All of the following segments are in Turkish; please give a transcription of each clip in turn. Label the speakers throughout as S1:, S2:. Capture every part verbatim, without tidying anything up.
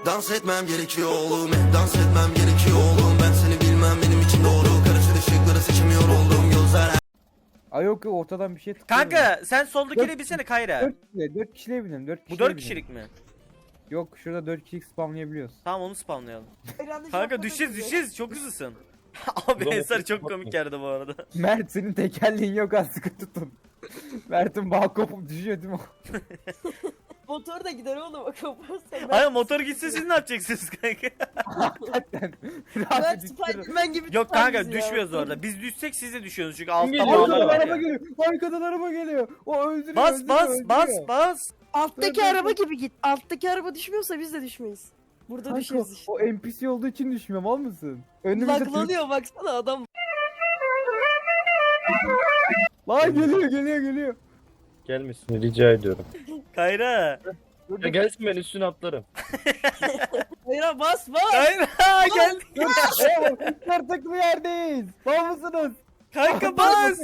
S1: Dans etmem gerekiyor oğlum, hep dans etmem gerekiyor oğlum. Ben seni bilmem, benim için doğru. Karışır ışıkları seçemiyor oldum, gözler.
S2: Ay yok yok, ortadan bir şey tıklıyor.
S3: Kanka sen soldakine
S2: Dört-
S3: binsene Kayra.
S2: dört kişiye, dört kişiye binin, dört
S3: Bu
S2: kişiye
S3: dört
S2: binin.
S3: kişilik mi?
S2: Yok, şurada dört kişilik spamlayabiliyoruz.
S3: Tamam onu spawnlayalım.
S4: Hayranlı
S3: Kanka
S4: şapka
S3: düşeceğiz
S4: takıyor.
S3: düşeceğiz çok hızlısın. Abi
S5: Ulan
S3: Ensar
S5: otuz
S3: çok
S5: bak
S3: komik
S5: mı?
S3: geldi bu arada.
S2: Mert, senin tekerleğin yok, az sıkı tutun. Mert'in bağ kopup düşüyor değil mi?
S4: Motor da gider oğlum o kaparsa.
S3: Hayır motor gitse siz ne yapacaksınız kanka?
S2: Hakikaten.
S4: Ben
S2: Rahat düşüyor.
S4: Spiderman gibi
S3: Yok
S4: tutar
S3: kanka
S4: bizi ya.
S3: düşmüyoruz orada. Biz düşsek siz de düşüyorsunuz çünkü altta
S5: geliyor?
S3: bağlar
S2: Arkadan
S3: var
S2: araba
S3: ya.
S2: geliyor. Arkadan araba geliyor. O öldürüyor.
S3: Bas
S2: öldürüyor,
S3: bas
S2: öldürüyor.
S3: bas bas.
S4: Alttaki
S2: Dur, dur,
S4: araba
S2: dur.
S4: gibi git. Alttaki araba düşmüyorsa biz de düşmeyiz. Burada
S2: Kanka,
S4: düşeriz işte.
S2: o N P C olduğu için düşmüyor, mal mısın? Önümüzde Türk-
S4: Laglanıyor baksana adam.
S2: Lan geliyor geliyor geliyor.
S5: Gelmesin rica ediyorum.
S3: Kayra.
S2: Dur,
S5: Ya
S2: dur,
S5: gelsin ben üstüne atlarım.
S4: Hayır bas bas.
S3: Kayra gel.
S2: dur. Ee, artık bir yerdeyiz. Mal mısınız?
S3: Kanka bas.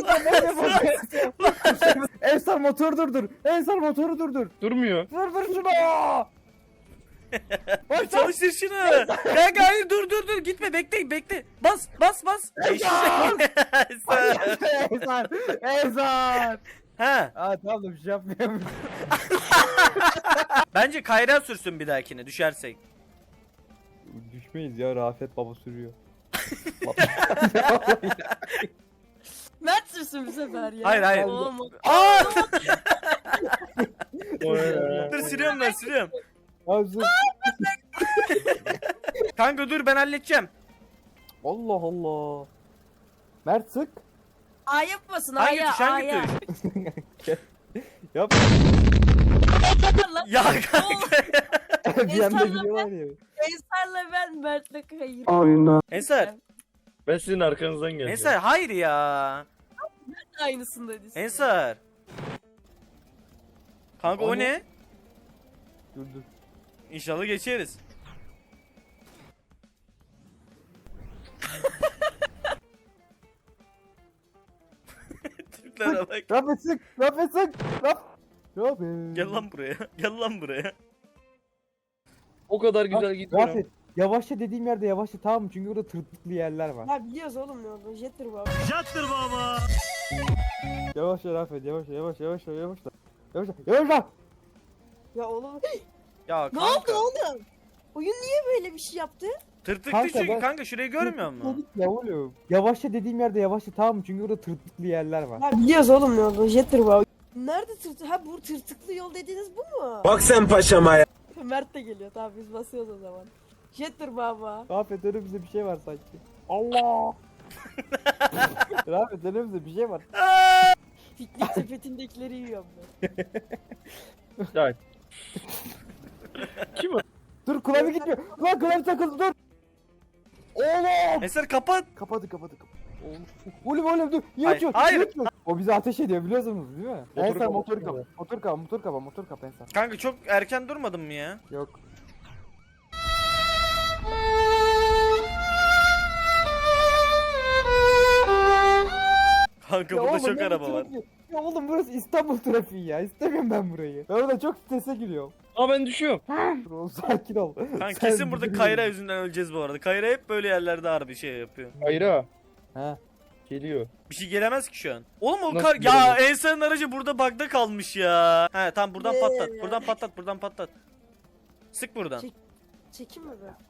S2: Ensar motoru durdur. Ensar motoru durdur.
S5: Durmuyor.
S2: Durdur şunu. Bas
S3: Çalıştır şunu. Kanka hayır dur dur dur gitme bekle bekle. Bas bas bas. Eşek.
S2: Ensar. Ensar.
S3: Ha
S2: Aa tamam da bir şey yapmıyorum.
S3: bence Kayra sürsün bir dahakine düşersek.
S2: Düşmeyiz ya, Rafet baba sürüyor.
S4: Mert sürsün bu sefer ya.
S3: Hayır, hayır.
S4: Oğlum,
S3: Aa!
S5: Oy.
S3: Dur sürüyorum ben sürüyorum.
S2: Abi sus.
S3: Kanka dur ben halledeceğim.
S2: Allah Allah. Mert sık.
S4: A yapmasın
S3: Hangi
S4: A'ya
S3: tuş hangi
S4: A'ya.
S3: tuş?
S2: Yap.
S4: Lan
S3: Ya kanka.
S2: Bir anda
S4: İnsanlar-
S2: gidiyorlar ya.
S4: Ensar'la ben Mert'le hayır.
S3: Ensar.
S5: Ben sizin arkanızdan geleceğim.
S3: Ensar hayır ya.
S4: Aynısındayız.
S3: Ensar. Kanka o
S2: O ne?
S3: ne?
S2: Dur dur.
S3: İnşallah geçeriz. Türklere bak.
S2: Rafet sık. Rafet sık. Raf. Rafet.
S3: Gel lan buraya. Gel lan buraya.
S5: O kadar güzel gidiyorum.
S2: Rafet. Yavaşça dediğim yerde yavaşça, tamam mı? Çünkü orada tırtıklı yerler var.
S4: Ya biliyoruz oğlum ne oldu. Jettir bu abi.
S2: Yavaşça Rafet, yavaşça yavaşça yavaşça yavaşça. Yavaşça yavaşça.
S4: Ya oğlum.
S3: Ya
S4: Ne oldu
S3: kanka.
S4: oğlum? Oyun niye böyle bir şey yaptı?
S3: Tırtıklı
S2: Kanka
S3: çünkü
S2: ben-
S3: kanka şurayı görmüyor musun?
S2: Ya oğlum. Yavaşça dediğim yerde yavaşça, tamam mı? Çünkü orada tırtıklı yerler var.
S4: Ya biliyoruz oğlum ne oldu. Jettir bu abi. Nerede tırtı? Ha bu tırtıklı yol dediğiniz bu mu?
S6: Bak sen paşama ya.
S4: Mert de geliyor. Tamam biz basıyoruz o zaman. Jettir baba.
S2: Rafet, önümüzde bir şey var sanki. Allah. Rafet, önümüzde bir şey var.
S4: Piknik sepetindekileri yiyorum ben.
S5: Ya. Kim o?
S2: Dur, klavye gitmiyor. Lan klavye takıldı, dur. Oğlum.
S3: Ensar kapat.
S2: Kapadı kapadı kapadı. Oğlum oğlum dur. Niye
S3: Hayır,
S2: açıyorsun?
S3: hayır.
S2: Niye açıyorsun? O bizi ateş ediyor, biliyorsunuz değil mi?
S5: Motoru
S2: Ensar
S5: kapa,
S2: motoru
S5: motoru
S2: kapa. Motor kapa, motor kapa, motor kapa, motor kapa Ensar.
S3: Kanka çok erken durmadın mı ya?
S2: Yok.
S3: Kanka
S2: Ya
S3: burada
S2: oğlum,
S3: çok
S2: ne
S3: araba
S2: bu
S3: var.
S2: trafik? Ya oğlum burası İstanbul trafiği ya. İstemiyorum ben burayı. Ben orada çok strese giriyorum.
S5: Aa ben düşüyorum.
S2: Dur oğlum, sakin ol.
S3: Kanka
S2: Sen
S3: kesin burada
S2: bir-
S3: Kayra yüzünden öleceğiz bu arada. Kayra hep böyle yerlerde harbi şey yapıyor.
S5: Hayra.
S2: Ha.
S5: Geliyor.
S3: Bir şey gelemez ki şu an. Oğlum o
S5: Nasıl
S3: kar... Ya
S5: gelemez?
S3: Ensar'ın aracı burada bug'da kalmış ya. He tamam buradan
S4: Ne
S3: patlat.
S4: ya?
S3: Buradan patlat. Buradan patlat. Sık buradan.
S4: Çek- Çekim mi be?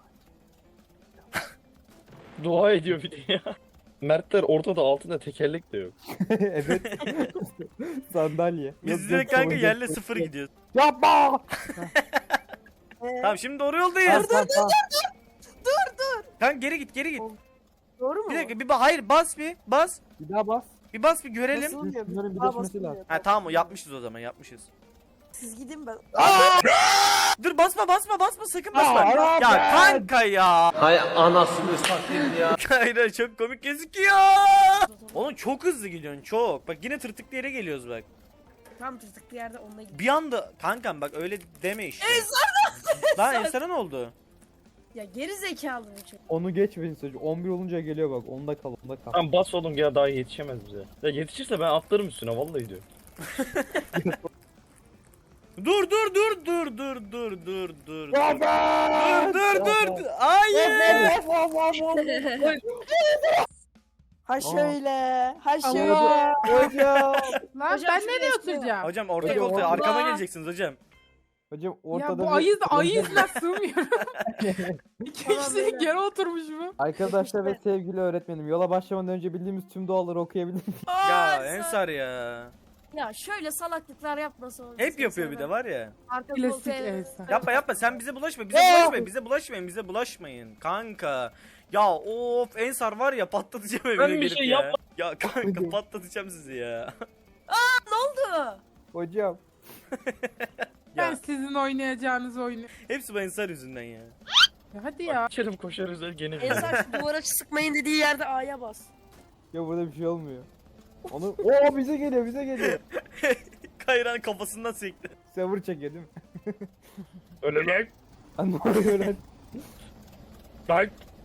S5: Dua ediyor bir de ya. Mertler ortada, altında tekerlek de yok.
S2: Evet. Sandalye.
S3: Biz
S2: Yok,
S3: direkt
S2: yok,
S3: kanka
S2: yok,
S3: yerle
S2: yok,
S3: sıfır
S2: yok.
S3: gidiyoruz.
S2: Yapma.
S4: Ee,
S3: Tamam şimdi doğru
S2: Tamam,
S3: yoldayız.
S2: tamam, tamam.
S3: Kanka geri git geri git.
S4: Doğru mu?
S3: Bir dakika bir ba hayır bas bir bas.
S2: Bir daha bas.
S3: Bir bas bir görelim.
S4: Nasıl oluyor?
S2: Bunların
S4: Daha
S2: birleşmesi
S4: basılmıyor.
S2: lazım.
S3: Ha tamam o yapmışız o zaman yapmışız.
S4: Siz gidin ben.
S3: Dur basma basma basma sakın basma.
S2: Aa,
S3: Ya
S2: ben-
S3: kanka ya.
S6: Hay anasını satayım ya.
S3: Kayra çok komik gözüküyor. Oğlum çok hızlı gidiyorsun çok. Bak yine tırtıklı yere geliyoruz bak.
S4: Tam tırtıklı yerde onunla gidin.
S3: Bir anda kankam bak öyle deme işte. Lan Ensar'a ne oldu?
S4: Ya geri zekalı bu çocuk.
S2: Onu geçmeyin çocuk. on bir olunca geliyor bak. Onda kal, onda kal.
S5: Tamam bas oğlum ya, daha yetişemez bize. Ya yetişirse ben atlarım üstüne vallahi diyor.
S3: Dur dur dur dur dur dur dur dur.
S2: Baba!
S3: Dur dur dur. Hayır.
S4: Ha şöyle. Ha
S2: Hocam.
S4: şöyle.
S2: Hocam.
S7: Lan
S4: Hocam
S7: ben
S4: şuraya
S7: nereye
S4: istiyor.
S7: oturacağım?
S3: Hocam orta
S2: Hocam,
S3: koltuğa
S2: Allah.
S3: arkama geleceksiniz hocam.
S2: Hocam
S7: Ya
S2: ortada
S7: bu
S2: bir-
S7: ayız ayızla sığmıyorum. İki kişilik yere oturmuş bu.
S2: Arkadaşlar ve sevgili öğretmenim, yola başlamadan önce bildiğimiz tüm duaları okuyabilir miyim?
S3: Ya Ensar ya.
S8: Ya şöyle salaklıklar yapmasa olur.
S3: Hep yapıyor bir de var ya.
S8: Arka
S7: Klasik
S8: koltuğa-
S7: Elsa.
S3: Yapma yapma sen bize bulaşma. Bize
S2: Ee!
S3: bulaşmayın. Bize bulaşmayın. Bize bulaşmayın. Kanka. Ya of Ensar var ya patlatacağım evine
S5: Ben bir
S3: gelip
S5: şey
S3: ya.
S5: yapmadım.
S3: Ya kanka patlatacağım sizi ya.
S8: Ne oldu?
S2: Hocam.
S7: Ben
S3: Ya
S7: sizin oynayacağınız oyunu.
S3: hepsi bu Ensar yüzünden ya.
S7: Ya hadi ya.
S5: İçerim koşarız el gene bir.
S4: Ensar şu duvara sıkmayın dediği yerde A'ya bas.
S2: Ya burada bir şey olmuyor. Onu Oo bize geliyor, bize geliyor.
S3: Kayran kafasından sekti.
S2: Server çekiyor değil mi?
S5: Öyle lan.
S2: Lan ne oluyor lan?
S5: Lan.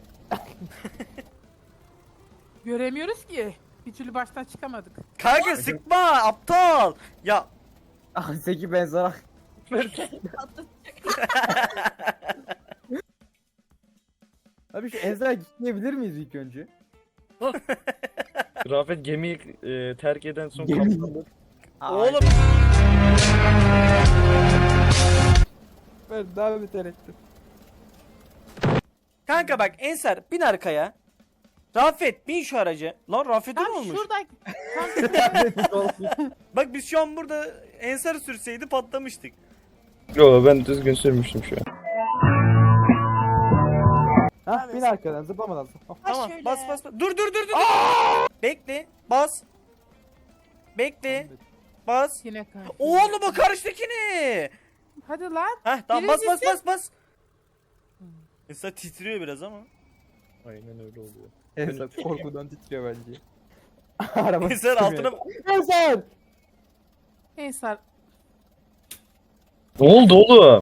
S7: Göremiyoruz ki. Bir türlü baştan çıkamadık.
S3: Kanka sıkma aptal. Ya
S2: Ah Zeki ben sana. Abi şu Ezra gitmeyebilir miyiz ilk önce?
S5: Rafet gemiyi e, terk eden son
S2: Gemi.
S5: kaptan.
S3: oğlum
S2: Ben daha beter ettim.
S3: kanka bak Ensar bin arkaya. Rafet bin şu araca. Lan Rafet'e ne
S7: Tam
S3: olmuş?
S7: şurada.
S3: Bak biz şu an burada Ensar sürseydi patlamıştık.
S5: Yo ben düzgün sürmüştüm şu an.
S2: Hah bin arkadan zıplamadan zıpla.
S4: Ha
S3: Tamam
S4: şöyle.
S3: bas bas bas. Dur dur dur dur. Bekle bas. Bekle bas.
S7: Yine karşı.
S3: Oğlum o karşıdakini.
S7: Hadi lan.
S3: Heh tamam bas bas
S7: Birincisi.
S3: bas bas. Ensar titriyor biraz ama.
S5: Aynen öyle oluyor.
S2: Ezra korkudan titriyor bence. Araba
S3: Ensar
S2: titremiyor.
S3: altına
S2: Ezra!
S7: Ensar.
S5: Ne oldu oğlum?